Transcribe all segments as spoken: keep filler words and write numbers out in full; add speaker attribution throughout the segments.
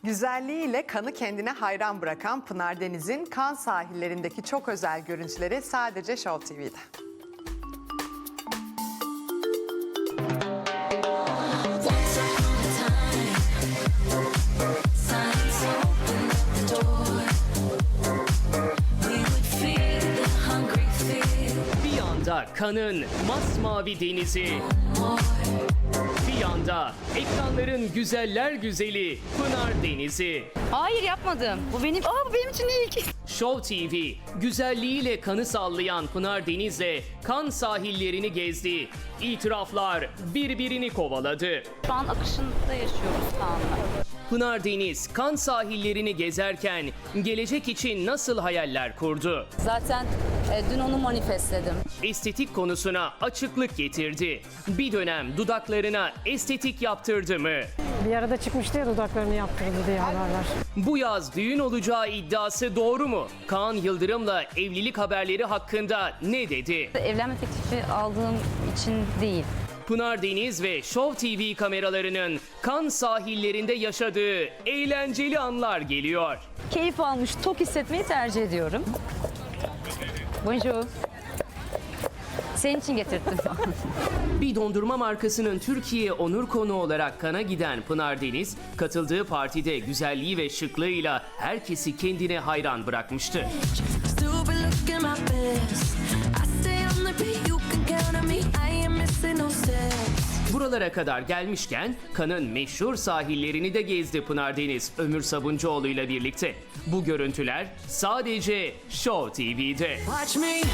Speaker 1: Güzelliğiyle kanı kendine hayran bırakan Pınar Deniz'in Kan sahillerindeki çok özel görüntüleri sadece Show T V'de.
Speaker 2: Bir yanda Kan'ın masmavi denizi, bir yanda ekranların güzeller güzeli Pınar Denizi.
Speaker 3: Hayır yapmadım. Bu benim, aa bu benim için ilk.
Speaker 2: Show T V, güzelliğiyle kanı sallayan Pınar Deniz'le Kan sahillerini gezdi. İtiraflar birbirini kovaladı.
Speaker 3: Şu an akışında yaşıyoruz Kaan'la.
Speaker 2: Pınar Deniz, Kan sahillerini gezerken gelecek için nasıl hayaller kurdu?
Speaker 3: Zaten e, dün onu manifestledim.
Speaker 2: Estetik konusuna açıklık getirdi. Bir dönem dudaklarına estetik yaptırdı mı?
Speaker 4: Bir arada çıkmıştı ya dudaklarını yaptırdı diye haberler.
Speaker 2: Bu yaz düğün olacağı iddiası doğru mu? Kaan Yıldırım'la evlilik haberleri hakkında ne dedi?
Speaker 3: Evlenme teklifi aldığım için değil.
Speaker 2: Pınar Deniz ve Show T V kameralarının Kan sahillerinde yaşadığı eğlenceli anlar geliyor.
Speaker 3: Keyif almış, tok hissetmeyi tercih ediyorum. Bonjour. Senin için getirttim.
Speaker 2: Bir dondurma markasının Türkiye onur konuğu olarak Kan'a giden Pınar Deniz, katıldığı partide güzelliği ve şıklığıyla herkesi kendine hayran bırakmıştı.
Speaker 5: Still be looking my best. I stay on the beat, you can count on me. I ain't missing no steps.
Speaker 2: Buralara kadar gelmişken Kan'ın meşhur sahillerini de gezdi Pınar Deniz Ömür Sabuncuoğlu ile birlikte. Bu görüntüler sadece Show T V'de.
Speaker 5: Watch me dance,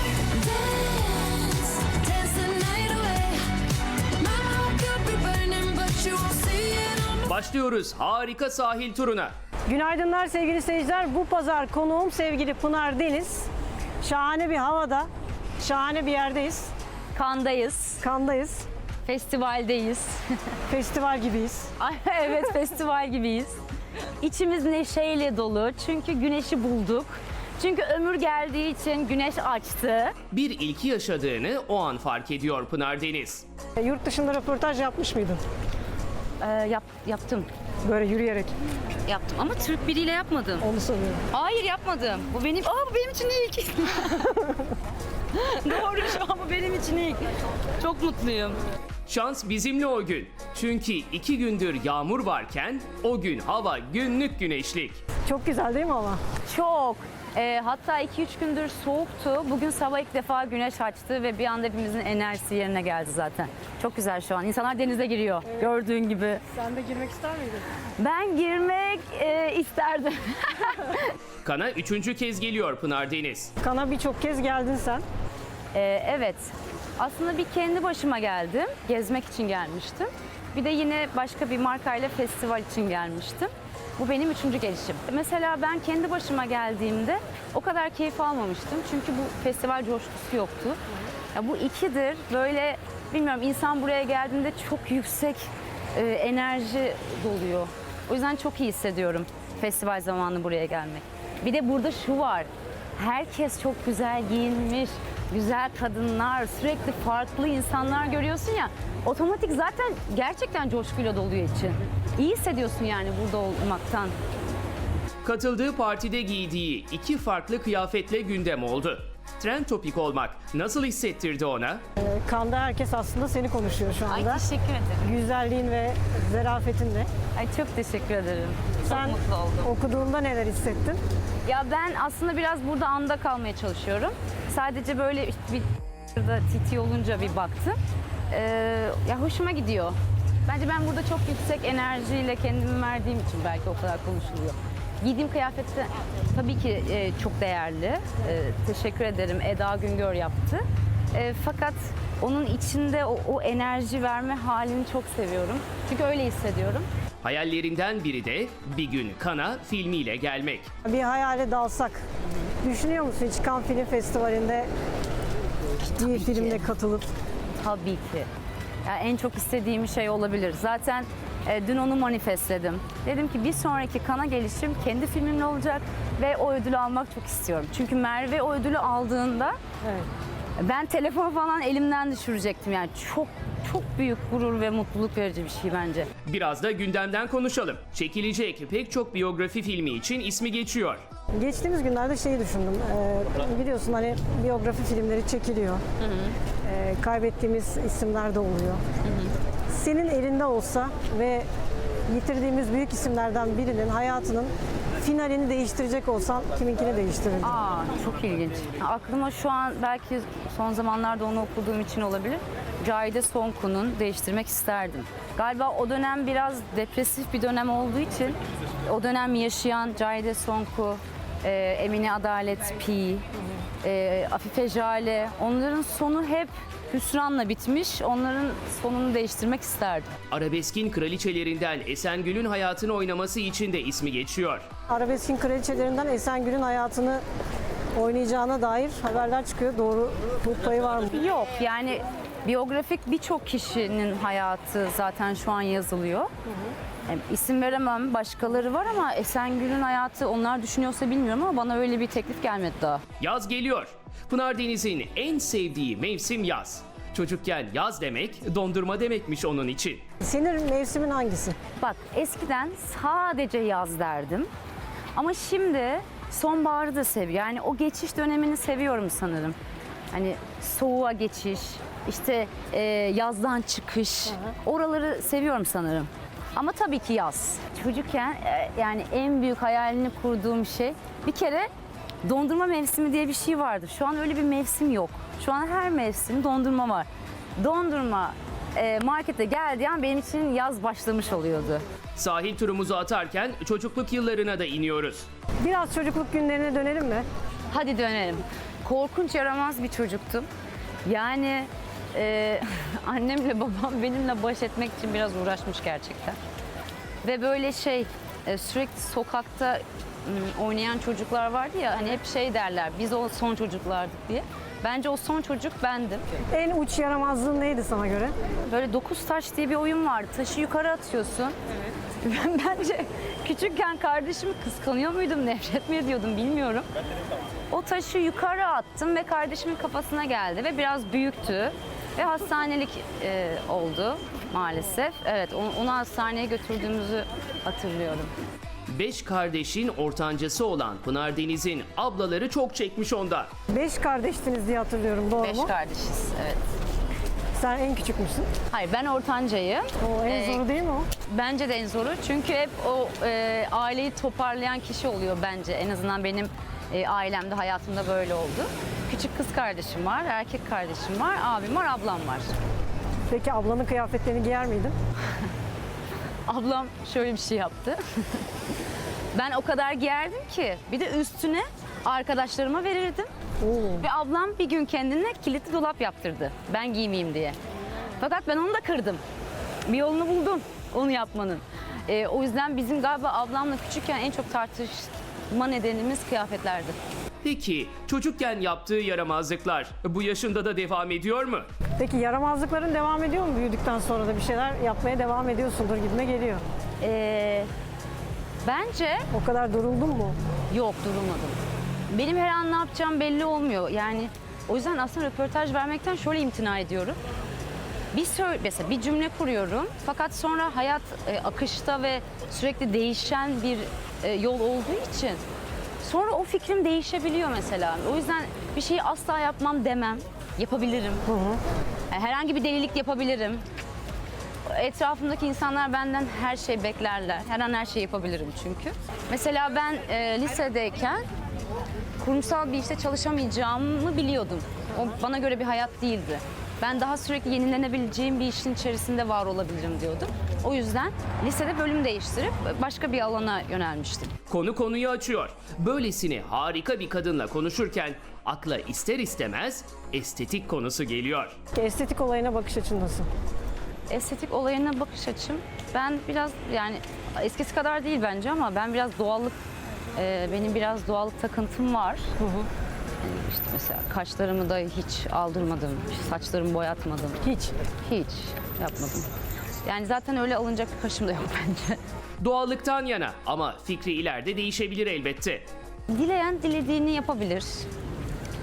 Speaker 5: dance the night away. My heart could be burning, but you won't see it on.
Speaker 2: Başlıyoruz harika sahil turuna.
Speaker 4: Günaydınlar sevgili seyirciler. Bu pazar konuğum sevgili Pınar Deniz. Şahane bir havada, şahane bir yerdeyiz.
Speaker 3: Kandayız,
Speaker 4: Kandayız.
Speaker 3: festivaldeyiz.
Speaker 4: Festival gibiyiz.
Speaker 3: Ay, evet, festival gibiyiz. İçimiz neşeyle dolu çünkü güneşi bulduk. Çünkü ömür geldiği için güneş açtı.
Speaker 2: Bir ilki yaşadığını o an fark ediyor Pınar Deniz.
Speaker 4: E, Yurt dışında röportaj yapmış mıydın?
Speaker 3: Ee, yap, yaptım,
Speaker 4: Böyle yürüyerek.
Speaker 3: yaptım ama Türk biriyle yapmadım.
Speaker 4: Onu soruyorum.
Speaker 3: Hayır yapmadım. Bu benim, aa bu benim için ilk. Doğru, şu an bu benim için ilk. Çok mutluyum.
Speaker 2: Şans bizimle o gün. Çünkü iki gündür yağmur varken o gün hava günlük güneşlik.
Speaker 4: Çok güzel değil mi ama?
Speaker 3: Çok. Ee, hatta iki üç gündür soğuktu. Bugün sabah ilk defa güneş açtı ve bir anda hepimizin enerjisi yerine geldi zaten. Çok güzel şu an. İnsanlar denize giriyor. Gördüğün gibi.
Speaker 4: Sen de girmek ister miydin?
Speaker 3: Ben girmek e, isterdim.
Speaker 2: Kan'a üçüncü kez geliyor Pınar Deniz.
Speaker 4: Kana birçok kez geldin sen.
Speaker 3: Ee, evet. Aslında bir kendi başıma geldim. Gezmek için gelmiştim. Bir de yine başka bir markayla festival için gelmiştim. Bu benim üçüncü gelişim. Mesela ben kendi başıma geldiğimde o kadar keyif almamıştım. Çünkü bu festival coşkusu yoktu. Ya bu ikidir. Böyle bilmiyorum, insan buraya geldiğinde çok yüksek e, enerji doluyor. O yüzden çok iyi hissediyorum festival zamanı buraya gelmek. Bir de burada şu var. Herkes çok güzel giyinmiş, güzel kadınlar, sürekli farklı insanlar görüyorsun ya. Otomatik zaten gerçekten coşkuyla doluyor için. İyi hissediyorsun yani burada olmaktan.
Speaker 2: Katıldığı partide giydiği iki farklı kıyafetle gündem oldu. Trend topik olmak nasıl hissettirdi ona?
Speaker 4: E, Kanda herkes aslında seni konuşuyor şu
Speaker 3: Ay
Speaker 4: anda.
Speaker 3: teşekkür ederim.
Speaker 4: Güzelliğin ve zarafetinle.
Speaker 3: Ay çok teşekkür ederim.
Speaker 4: Sen
Speaker 3: Çok mutlu oldum.
Speaker 4: okuduğunda neler hissettin?
Speaker 3: Ya ben aslında biraz burada anda kalmaya çalışıyorum. Sadece böyle bir da titi olunca bir baktım. Ee, ya hoşuma gidiyor. Bence ben burada çok yüksek enerjiyle kendimi verdiğim için belki o kadar konuşuluyor. Giydiğim kıyafet de tabii ki e, çok değerli. E, teşekkür ederim. Eda Güngör yaptı. E, fakat onun içinde o, o enerji verme halini çok seviyorum. Çünkü öyle hissediyorum.
Speaker 2: Hayallerinden biri de bir gün Kan'a filmiyle gelmek.
Speaker 4: Bir hayale dalsak. Düşünüyor musun hiç Cannes Film Festivali'nde bir filmde katılıp?
Speaker 3: Tabii ki. Ya en çok istediğim şey olabilir. Zaten e, dün onu manifestledim. Dedim ki bir sonraki Cannes'a gelişim kendi filmimle olacak ve o ödülü almak çok istiyorum. Çünkü Merve o ödülü aldığında
Speaker 4: Evet.
Speaker 3: ben telefonu falan elimden düşürecektim. Yani çok çok büyük gurur ve mutluluk verici bir şey bence.
Speaker 2: Biraz da gündemden konuşalım. Çekilecek pek çok biyografi filmi için ismi geçiyor.
Speaker 4: Geçtiğimiz günlerde şeyi düşündüm. Ee, biliyorsun hani biyografi filmleri çekiliyor. Ee, kaybettiğimiz isimler de oluyor. Senin elinde olsa ve yitirdiğimiz büyük isimlerden birinin hayatının finalini değiştirecek olsan kiminkini değiştirirdin?
Speaker 3: Aa, çok ilginç. Aklıma şu an belki son zamanlarda onu okuduğum için olabilir. Cahide Sonku'nun değiştirmek isterdim. Galiba o dönem biraz depresif bir dönem olduğu için o dönem yaşayan Cahide Sonku, e, Emine Adalet Pi, e, Afife Jale, onların sonu hep hüsranla bitmiş. Onların sonunu değiştirmek isterdim.
Speaker 2: Arabeskin kraliçelerinden Esengül'ün hayatını oynaması için de ismi geçiyor.
Speaker 4: Arabeskin kraliçelerinden Esengül'ün hayatını oynayacağına dair haberler çıkıyor. Doğru payı var mı?
Speaker 3: Yok yani biyografik birçok kişinin hayatı zaten şu an yazılıyor. Yani isim veremem, başkaları var ama Esengül'ün hayatı onlar düşünüyorsa bilmiyorum ama bana öyle bir teklif gelmedi daha.
Speaker 2: Yaz geliyor. Pınar Deniz'in en sevdiği mevsim yaz. Çocukken yaz demek dondurma demekmiş onun için.
Speaker 4: Senin mevsimin hangisi?
Speaker 3: Bak eskiden sadece yaz derdim ama şimdi sonbaharı da seviyorum. Yani o geçiş dönemini seviyorum sanırım. Hani soğuğa geçiş, işte e, yazdan çıkış, oraları seviyorum sanırım. Ama tabii ki yaz. Çocukken e, yani en büyük hayalini kurduğum şey bir kere dondurma mevsimi diye bir şey vardı. Şu an öyle bir mevsim yok. Şu an her mevsim dondurma var. Dondurma e, markete geldiği an benim için yaz başlamış oluyordu.
Speaker 2: Sahil turumuzu atarken çocukluk yıllarına da iniyoruz.
Speaker 4: Biraz çocukluk günlerine dönelim mi?
Speaker 3: Hadi dönelim. Korkunç yaramaz bir çocuktum. Yani e, annemle babam benimle baş etmek için biraz uğraşmış gerçekten. Ve böyle şey e, sürekli sokakta m, oynayan çocuklar vardı ya hani hep şey derler biz o son çocuklardık diye. Bence o son çocuk bendim.
Speaker 4: En uç yaramazlığın neydi sana göre?
Speaker 3: Böyle dokuz taş diye bir oyun vardı. Taşı yukarı atıyorsun. Ben bence küçükken kardeşimi kıskanıyor muydum, nefret mi ediyordum bilmiyorum. O taşı yukarı attım ve kardeşimin kafasına geldi ve biraz büyüktü. Ve hastanelik e, oldu maalesef. Evet, onu, onu hastaneye götürdüğümüzü hatırlıyorum.
Speaker 2: Beş kardeşin ortancası olan Pınar Deniz'in ablaları çok çekmiş onda.
Speaker 4: Beş kardeştiniz diye hatırlıyorum, doğru
Speaker 3: Beş
Speaker 4: mu?
Speaker 3: kardeşiz, evet.
Speaker 4: Sen en küçük müsün?
Speaker 3: Hayır, ben ortancayım.
Speaker 4: O en
Speaker 3: Ee,
Speaker 4: zoru değil mi o?
Speaker 3: Bence de en zoru. Çünkü hep o e, aileyi toparlayan kişi oluyor bence. En azından benim e, ailemde, hayatımda böyle oldu. Küçük kız kardeşim var, erkek kardeşim var, abim var, ablam var.
Speaker 4: Peki ablanın kıyafetlerini giyer miydin?
Speaker 3: Ablam şöyle bir şey yaptı. Ben o kadar giyerdim ki bir de üstüne arkadaşlarıma verirdim.
Speaker 4: Oo.
Speaker 3: Ve ablam bir gün kendine kilitli dolap yaptırdı. Ben giymeyeyim diye. Fakat ben onu da kırdım. Bir yolunu buldum onu yapmanın. Ee, o yüzden bizim galiba ablamla küçükken en çok tartışma nedenimiz kıyafetlerdi.
Speaker 2: Peki çocukken yaptığı yaramazlıklar bu yaşında da devam ediyor mu?
Speaker 4: Peki yaramazlıkların devam ediyor mu? Büyüdükten sonra da bir şeyler yapmaya devam ediyorsundur gibime geliyor.
Speaker 3: Ee, bence
Speaker 4: O kadar duruldun mu?
Speaker 3: yok, durulmadım. Benim her an ne yapacağım belli olmuyor. Yani o yüzden aslında röportaj vermekten şöyle imtina ediyorum. Bir söyle, mesela bir cümle kuruyorum fakat sonra hayat e, akışta ve sürekli değişen bir e, yol olduğu için sonra o fikrim değişebiliyor mesela. O yüzden bir şeyi asla yapmam demem. Yapabilirim. Yani herhangi bir delilik yapabilirim. Etrafımdaki insanlar benden her şey beklerler. Her an her şeyi yapabilirim çünkü. Mesela ben e, lisedeyken kurumsal bir işte çalışamayacağımı biliyordum. O bana göre bir hayat değildi. Ben daha sürekli yenilenebileceğim bir işin içerisinde var olabilirim diyordum. O yüzden lisede bölüm değiştirip başka bir alana yönelmiştim.
Speaker 2: Konu konuyu açıyor. Böylesine harika bir kadınla konuşurken akla ister istemez estetik konusu geliyor.
Speaker 4: Estetik olayına bakış açın nasıl?
Speaker 3: Estetik olayına bakış açım, ben biraz yani eskisi kadar değil bence ama ben biraz doğallık, e, benim biraz doğallık takıntım var. Yani işte mesela kaşlarımı da hiç aldırmadım, saçlarımı boyatmadım.
Speaker 4: Hiç.
Speaker 3: Hiç yapmadım. Yani zaten öyle alınacak bir kaşım da yok bence.
Speaker 2: Doğallıktan yana ama fikri ileride değişebilir elbette.
Speaker 3: Dileyen dilediğini yapabilir.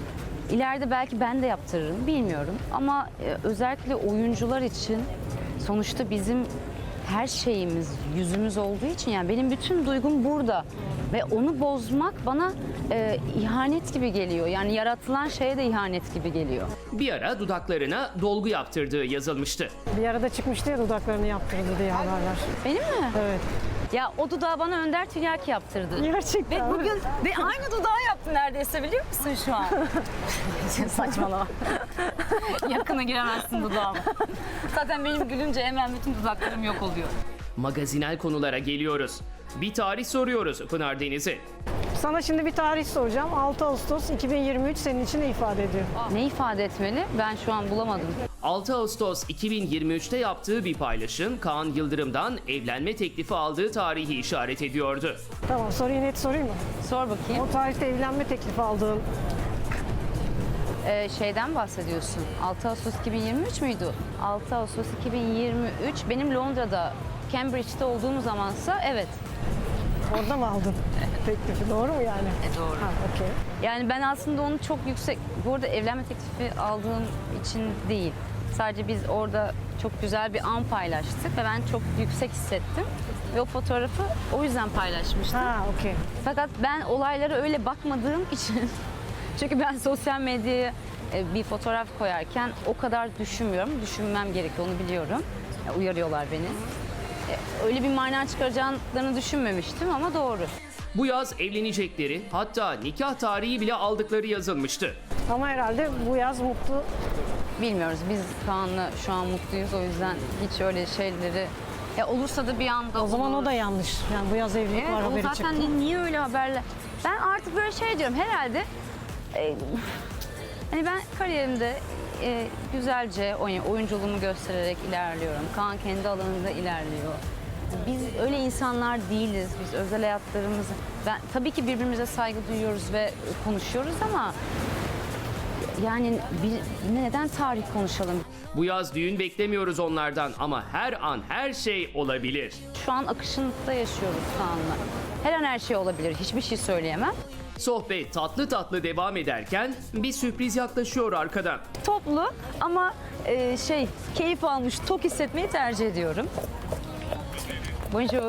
Speaker 3: İleride belki ben de yaptırırım, bilmiyorum. Ama e, özellikle oyuncular için sonuçta bizim her şeyimiz, yüzümüz olduğu için yani benim bütün duygum burada. Ve onu bozmak bana e, ihanet gibi geliyor. Yani yaratılan şeye de ihanet gibi geliyor.
Speaker 2: Bir ara dudaklarına dolgu yaptırdığı yazılmıştı.
Speaker 4: Bir arada çıkmıştı ya dudaklarını yaptırdı diye haberler.
Speaker 3: Benim mi?
Speaker 4: Evet.
Speaker 3: Ya o dudağı bana Önder Tiryaki yaptırdı.
Speaker 4: Gerçekten.
Speaker 3: Ve bugün ve aynı dudağı yaptı neredeyse, biliyor musun şu an? Saçmalama. Yakına giremezsin dudağıma. Zaten benim gülünce hemen bütün dudaklarım yok oluyor.
Speaker 2: Magazinel konulara geliyoruz. Bir tarih soruyoruz Pınar Deniz'e.
Speaker 4: Sana şimdi bir tarih soracağım. altı Ağustos iki bin yirmi üç senin için ne ifade ediyor?
Speaker 3: Ne ifade etmeli? Ben şu an bulamadım.
Speaker 2: altı Ağustos iki bin yirmi üçte yaptığı bir paylaşım Kaan Yıldırım'dan evlenme teklifi aldığı tarihi işaret ediyordu.
Speaker 4: Tamam, soruyu net sorayım mı?
Speaker 3: Sor bakayım.
Speaker 4: O tarihte evlenme teklifi aldığın
Speaker 3: Ee, şeyden bahsediyorsun. altı Ağustos iki bin yirmi üç müydü? altı Ağustos iki bin yirmi üç benim Londra'da, Cambridge'de olduğum zamansa evet.
Speaker 4: orada mı aldın teklifi? Doğru mu yani?
Speaker 3: E, doğru.
Speaker 4: Ha, okey.
Speaker 3: Yani ben aslında onu çok yüksek, bu arada evlenme teklifi aldığım için değil. Sadece biz orada çok güzel bir an paylaştık ve ben çok yüksek hissettim. Ve o fotoğrafı o yüzden paylaşmıştım.
Speaker 4: Ha, okey.
Speaker 3: Fakat ben olaylara öyle bakmadığım için, çünkü ben sosyal medyaya e, bir fotoğraf koyarken o kadar düşünmüyorum. Düşünmem gerekiyor, onu biliyorum. Ya, uyarıyorlar beni. E, Öyle bir mana çıkaracaklarını düşünmemiştim ama doğru.
Speaker 2: Bu yaz evlenecekleri, hatta nikah tarihi bile aldıkları yazılmıştı.
Speaker 4: Ama herhalde bu yaz mutlu.
Speaker 3: Bilmiyoruz. Biz Kaan'la şu an mutluyuz. O yüzden hiç öyle şeyleri... Ya olursa da bir anda
Speaker 4: O zaman
Speaker 3: olur.
Speaker 4: o da yanlış. Yani bu yaz evlilik
Speaker 3: Evet,
Speaker 4: var
Speaker 3: o
Speaker 4: haberi
Speaker 3: zaten
Speaker 4: çıktı.
Speaker 3: ni- niye öyle haberler? Ben artık böyle şey diyorum herhalde. e, hani ben kariyerimde e, güzelce oy- oyunculuğumu göstererek ilerliyorum. Kaan kendi alanında ilerliyor. Biz öyle insanlar değiliz. Biz özel hayatlarımızı... Ben tabii ki birbirimize saygı duyuyoruz ve konuşuyoruz ama... Yani bir, neden tarih konuşalım?
Speaker 2: Bu yaz düğün beklemiyoruz onlardan ama her an her şey olabilir.
Speaker 3: Şu an akışında yaşıyoruz Kaan'la. Her an her şey olabilir. Hiçbir şey söyleyemem.
Speaker 2: Sohbet tatlı tatlı devam ederken bir sürpriz yaklaşıyor arkadan.
Speaker 3: Toplu ama e, şey keyif almış, tok hissetmeyi tercih ediyorum. Bonjour.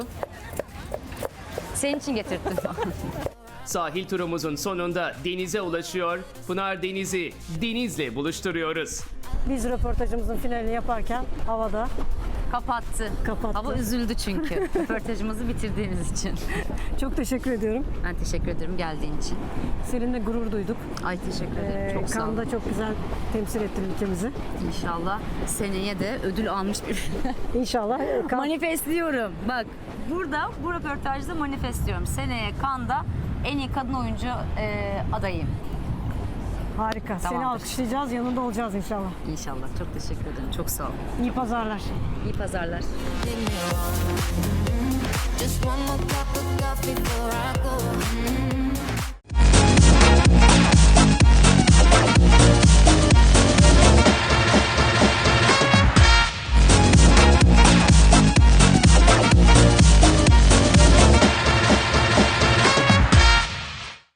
Speaker 3: Senin için getirdim.
Speaker 2: Sahil turumuzun sonunda denize ulaşıyor. Pınar Deniz'i denizle buluşturuyoruz.
Speaker 4: Biz röportajımızın finalini yaparken havada
Speaker 3: Kapattı.
Speaker 4: Kapattı.
Speaker 3: Hava üzüldü çünkü röportajımızı bitirdiğimiz için.
Speaker 4: çok teşekkür ediyorum.
Speaker 3: Ben teşekkür ederim geldiğin için.
Speaker 4: Seninle gurur duyduk.
Speaker 3: Ay teşekkür ederim.
Speaker 4: Ee,
Speaker 3: Çok sağ ol.
Speaker 4: Cannes'da çok güzel temsil ettin ülkemizi.
Speaker 3: İnşallah seneye de ödül almış bir
Speaker 4: İnşallah. e, Cannes-
Speaker 3: manifestliyorum. Bak burada bu röportajda manifestliyorum. Seneye Cannes'da en iyi kadın oyuncu e, adayım.
Speaker 4: Harika. Seni
Speaker 3: Tamamdır.
Speaker 4: alkışlayacağız. Yanında olacağız inşallah.
Speaker 3: İnşallah. Çok teşekkür ederim. Çok sağ ol.
Speaker 4: İyi pazarlar.
Speaker 3: İyi pazarlar.
Speaker 5: Just one more cup of coffee before I go.